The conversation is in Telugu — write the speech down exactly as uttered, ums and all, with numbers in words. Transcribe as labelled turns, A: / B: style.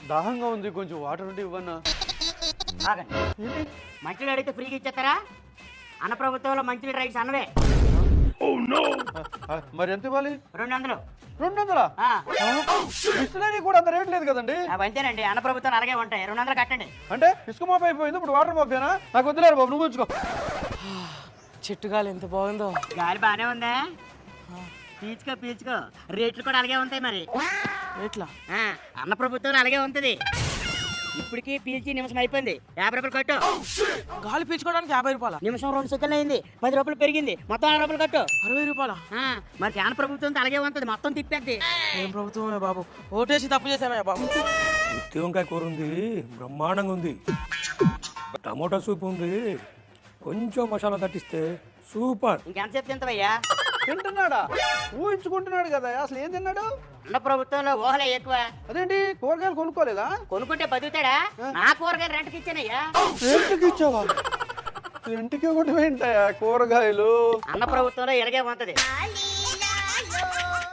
A: దాహంగా ఉంది, కొంచెం వాటర్ ఉంటే ఇవ్వన్నా.
B: ఆగండి, మంచినీళ్ళు అడిగితే ఫ్రీగా ఇచ్చేస్తారా? అన్న ప్రభుత్వంలో మంచినీళ్ళు రైట్స్ అన్నవే.
A: మరి ఎంత ఇవ్వాలి?
B: రెండు వందలు.
A: రెండు వందలా?
B: ఆ,
A: బిస్లరీ కూడా అంత రేట్ లేదు కదండి.
B: అవి అంతేనండి, అన్న ప్రభుత్వాలు అలాగే ఉంటాయి. రెండు వందలు కట్టండి.
A: అంటే ఇసుక మాఫీ అయిపోయింది, ఇప్పుడు వాటర్ మాఫీనా? నాకు వద్దులేరు బాబు, నువ్వు ఉంచుకో.
C: చెట్టు గాలి ఎంత బాగుందో.
B: గాలి బాగానే ఉందా? పీచుకో పీచుకో, రేట్లు కూడా అలాగే ఉంటాయి మరి.
C: ఎట్లా?
B: ఆ, అన్న ప్రభుత్వం అలాగే ఉంటుంది. ఇప్పటికీ పీల్చి నిమిషం అయిపోయింది, యాభై రూపాయలు కట్టు.
C: గాలి పీల్చుకోవడానికి యాభై రూపాయల?
B: నిమిషం రెండు సెకండ్లు అయింది, పది రూపాయలు పెరిగింది, మొత్తం అరవై రూపాయలు కట్టు.
C: అరవై రూపాయల?
B: ఆ, మరి ఫ్యాన్ ప్రభుత్వం అలాగే ఉంటుంది, మొత్తం తిప్పేద్ది.
C: ఏం ప్రభుత్వమే బాబు, ఓటేసి తప్పు చేసామే బాబు.
D: ఉత్తి వంకాయ కూర ఉంది, బ్రహ్మాండంగా ఉంది. టమోటా సూప్ ఉంది, కొంచెం మసాలా తట్టిస్తే సూపర్.
B: ఇంకెంతసేపు తింటావయ్యా?
A: తింటున్నాడా? ఊహించుకుంటున్నాడు కదా, అసలు ఏం తిన్నాడు?
B: అన్న ప్రభుత్వంలో ఊహలే ఎక్కువ.
A: అదేంటి, కూరగాయలు కొనుక్కోలేదా?
B: కొనుక్కుంటే బతుకుతాడా? నా కూరగాయలు రెంట్కి ఇచ్చానయ్యా.
A: రెంట్కి ఇచ్చావా? రెంట్కి ఇవ్వడం ఏంటయ్యా కూరగాయలు?
B: అన్న ప్రభుత్వంలో ఇలాగే ఉంటది.